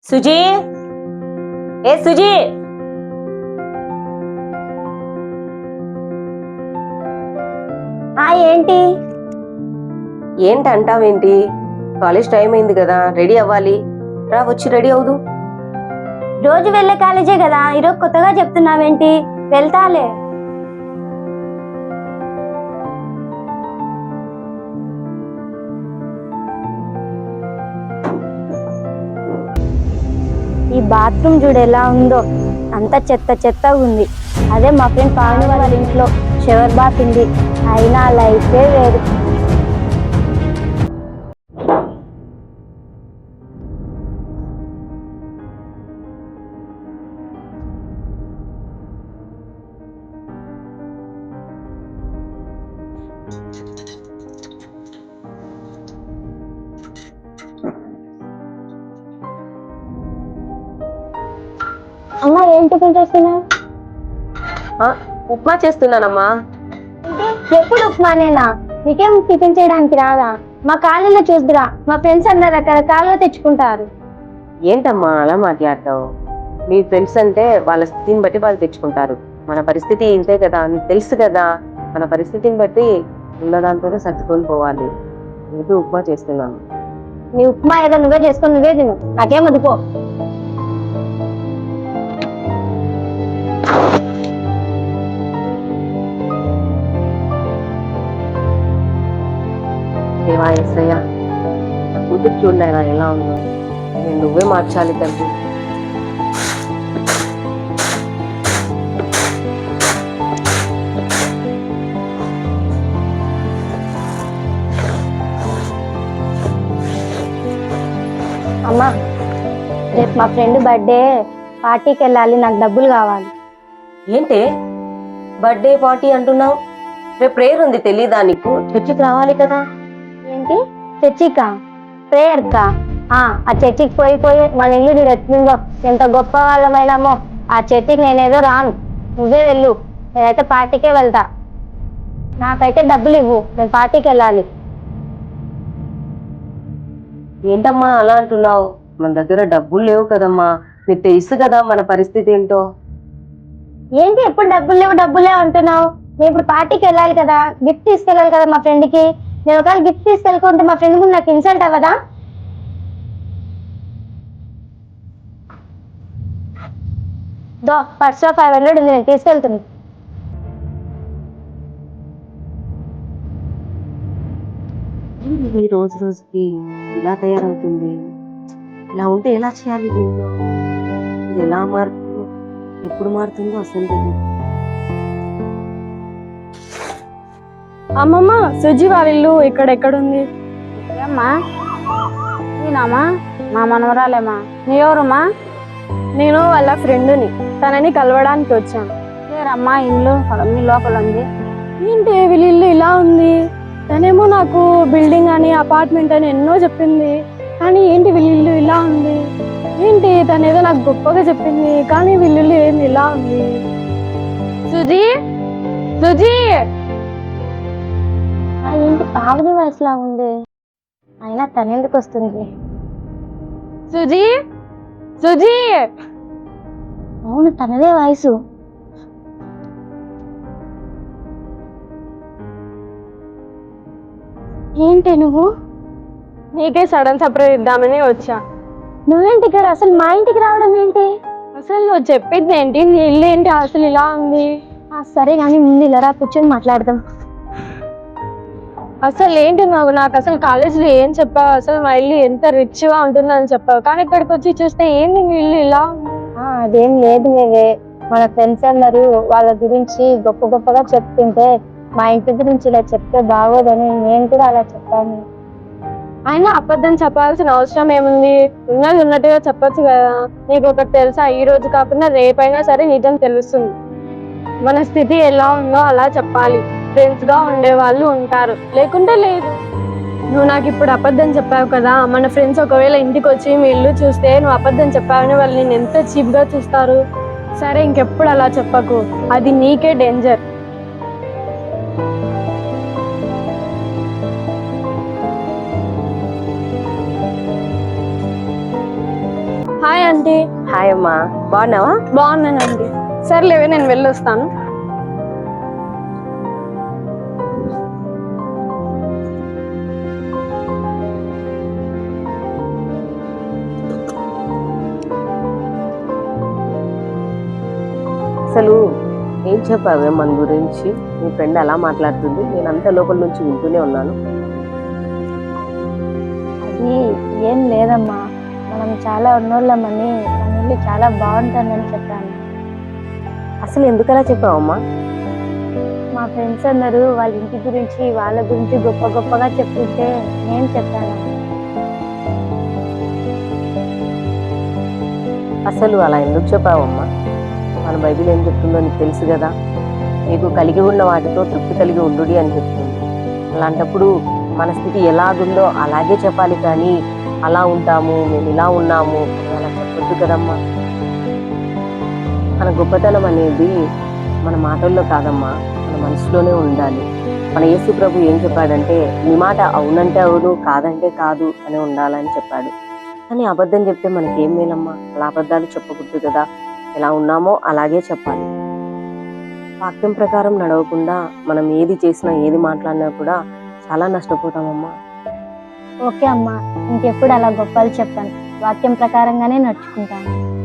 సుజీ ఏ సుజీ ఏంటి ఏంటంటావేంటి? College time అయింది కదా, రెడీ అవ్వాలి. రా వచ్చి రెడీ అవుదు. రోజు వెళ్ళే కాలేజే కదా, ఈరోజు కొత్తగా చెప్తున్నావేంటి? వెళ్తాలే. ఈ బాత్రూమ్ చూడు ఎలా ఉందో, అంత చెత్త చెత్తగా ఉంది. అదే మా ఫ్రెండ్ పావని వాళ్ళ ఇంట్లో షవర్ బాత్ ఉంది, అయినా లైఫే వేరు. అమ్మా ఏం టిఫిన్ చేస్తున్నావు? ఉప్మా చేస్తున్నానమ్మా. ఎప్పుడు ఉప్మానేనా? నీకేం టిఫిన్ చేయడానికి రాదా? మా కాలేజీలో చూద్దురా, మా ఫ్రెండ్స్ అందరు రకరకాలుగా తెచ్చుకుంటారు. ఏంటమ్మా అలా మాట్లాడతావు? మీ ఫ్రెండ్స్ అంటే వాళ్ళ స్థితిని బట్టి వాళ్ళు తెచ్చుకుంటారు. మన పరిస్థితి ఇంతే కదా, నీకు తెలుసు కదా. మన పరిస్థితిని బట్టి ఉన్నదాంతోనే సర్దుకొని పోవాలి. నేను ఉప్మా చేస్తున్నాను. నీ ఉప్మా ఏదో నువ్వే చేసుకొని నువ్వే తిను, నాకేం వద్దుకో. దేవా ఎస్సయ్యా, కూతురు చూడలేనా ఎలా ఉందో. నేను నువ్వే మార్చాలి తండ్రి. అమ్మా రేపు మా ఫ్రెండ్ బర్త్డే, పార్టీకి వెళ్ళాలి, నాకు డబ్బులు కావాలి. ఏంటి బర్త్డే పార్టీ అంటున్నావు? రేపు ప్రేయర్ ఉంది, తెలీదా నీకు? చర్చికి రావాలి కదా. ఏంటి చర్చికా? ప్రేయర్ కా? ఆ చర్చికి పోయి మన ఇల్లు చూడు ఎట్లుందో, ఎంత గొప్ప వాళ్ళమైనామో. ఆ చర్చికి నేనేదో రాను, నువ్వే వెళ్ళు. నేనైతే పార్టీకే వెళ్తా. నాకైతే డబ్బులు ఇవ్వు, నేను పార్టీకి వెళ్ళాలి. ఏంటమ్మా అలా అంటున్నావు? మన దగ్గర డబ్బులు లేవు కదమ్మా, నీకు తెలుసు కదా మన పరిస్థితి ఏంటో. ఏంటి ఎప్పుడు డబ్బులు లేవు అంటున్నావు? నేను ఇప్పుడు పార్టీకి వెళ్ళాలి కదా, గిఫ్ట్ తీసుకెళ్ళాలి కదా మా ఫ్రెండ్ కి. నేను ఒకవేళ గిఫ్ట్ తీసుకెళ్ళకుంటే మా ఫ్రెండ్ ముందు నాకు ఇన్సల్ట్ అవ్వదా? పర్స్ 500 ఉంది, నేను తీసుకెళ్తుంది. ఈ రోజు రోజుకి ఇలా తయారవుతుంది. ఇలా ఉంటే ఎలా చేయాలి దీన్ని? ఇది ఎలా మారుతుందో, ఎప్పుడు మారుతుందో అసలు తెలియదు. అమ్మమ్మ, సుజీ వాళ్ళ ఇల్లు ఎక్కడుంది? ఏమ్మా? నేనమ్మా, మా మనవరాలేమ్మా. నీ ఎవరమ్మా? నేను వాళ్ళ ఫ్రెండ్ని, తనని కలవడానికి వచ్చాను. లేరమ్మా, ఇల్లు మీ లోపల ఉంది. ఏంటి వీళ్ళ ఇల్లు ఇలా ఉంది? తనేమో నాకు బిల్డింగ్ అని అపార్ట్మెంట్ అని ఎన్నో చెప్పింది, కానీ ఏంటి వీళ్ళ ఇల్లు ఇలా ఉంది? ఏంటి తనేదో నాకు గొప్పగా చెప్పింది, కానీ వీళ్ళ ఇల్లు ఏంది ఇలా ఉంది? సుజీ, సుజీ! ఏంటి పావని వయసులా ఉంది, అయినా తనెందుకు వస్తుంది? సుజీ, సుజీ! అవును, తనదే వయసు. ఏంటి నువ్వు? నీకే సడన్ సర్ప్రైజ్ ఇద్దామని వచ్చా. నువ్వేంటి ఇక్కడ? అసలు మా ఇంటికి రావడం ఏంటి? అసలు నువ్వు చెప్పింది ఏంటి? నీ ఇల్లు ఏంటి అసలు ఇలా ఉంది? సరే కానీ ముందు ఇలా కూర్చొని మాట్లాడదాం. అసలు ఏంటి నాకు అసలు కాలేజీలో ఏం చెప్పావు? అసలు మా ఇల్లు ఎంత రిచ్ గా ఉంటుందని చెప్పావు, కానీ ఇక్కడికి వచ్చి చూస్తే ఏంది మీ ఇల్లు ఇలా? అదేం లేదు మేవే, మన ఫ్రెండ్స్ అందరూ వాళ్ళ గురించి గొప్పగా చెప్తుంటే మా ఇంటి గురించి ఇలా చెప్తే బాగోదని నేను కూడా అలా చెప్పాను. అయినా అబద్ధం చెప్పాల్సిన అవసరం ఏముంది? ఉన్నది ఉన్నట్టుగా చెప్పొచ్చు కదా. నీకు ఒకటి తెలుసా, ఈ రోజు కాకుండా రేపైనా సరే నిజం తెలుస్తుంది. మన స్థితి ఎలా ఉందో అలా చెప్పాలి. ఫ్రెండ్స్ గా ఉండే వాళ్ళు ఉంటారు, లేకుంటే లేదు. నువ్వు నాకు ఇప్పుడు అబద్ధం చెప్పావు కదా, మన ఫ్రెండ్స్ ఒకవేళ ఇంటికి వచ్చి మీ ఇల్లు చూస్తే నువ్వు అబద్ధం చెప్పావని వాళ్ళు నేను ఎంత చీప్ గా చూస్తారు. సరే ఇంకెప్పుడు అలా చెప్పకు, అది నీకే డేంజర్. హాయ్ అమ్మా. బాగున్నావా? బాగున్నానండి. సర్లేవే, నేను వెళ్ళొస్తాను. అసలు ఏం చెప్పావే మన గురించి? మీ ఫ్రెండ్ అలా మాట్లాడుతుంది, నేను అంత లోపల నుంచి వింటూనే ఉన్నాను. అది ఏం లేదమ్మా, మనం చాలా ఉన్నోళ్ళమని మన ఇల్లు చాలా బాగుంటుందని చెప్పాను. అసలు ఎందుకలా చెప్పావమ్మా? మా ఫ్రెండ్స్ అందరూ వాళ్ళ ఇంటి గురించి వాళ్ళ గురించి గొప్ప గొప్పగా చెప్తుంటే నేను చెప్పాను. అసలు అలా ఎందుకు చెప్పావమ్మా? మన బైబిల్ ఏం చెప్తుందో నీకు తెలుసు కదా. నీకు కలిగి ఉన్న వాటితో తృప్తి కలిగి ఉండుడి అని చెప్తుంది. అలాంటప్పుడు మన స్థితి ఎలాగుందో అలాగే చెప్పాలి, కానీ అలా ఉంటాము, మేము ఇలా ఉన్నాము అని అలా చెప్పొద్దు కదమ్మా. మన గొప్పతనం అనేది మన మాటల్లో కాదమ్మా, మన మనసులోనే ఉండాలి. మన యేసు ప్రభు ఏం చెప్పాడంటే, నీ మాట అవునంటే అవును, కాదంటే కాదు అని ఉండాలని చెప్పాడు. కానీ అబద్ధం చెప్తే మనకేం మేలమ్మా? అలా అబద్ధాలు చెప్పకూడదు కదా. ఎలా ఉన్నామో అలాగే చెప్పాలి. వాక్యం ప్రకారం నడవకుండా మనం ఏది చేసినా ఏది మాట్లాడినా కూడా చాలా నష్టపోతామమ్మా. ఓకే అమ్మా, ఇంకెప్పుడు అలా గొప్పలు చెప్పాను, వాక్యం ప్రకారంగానే నడుచుకుంటాను.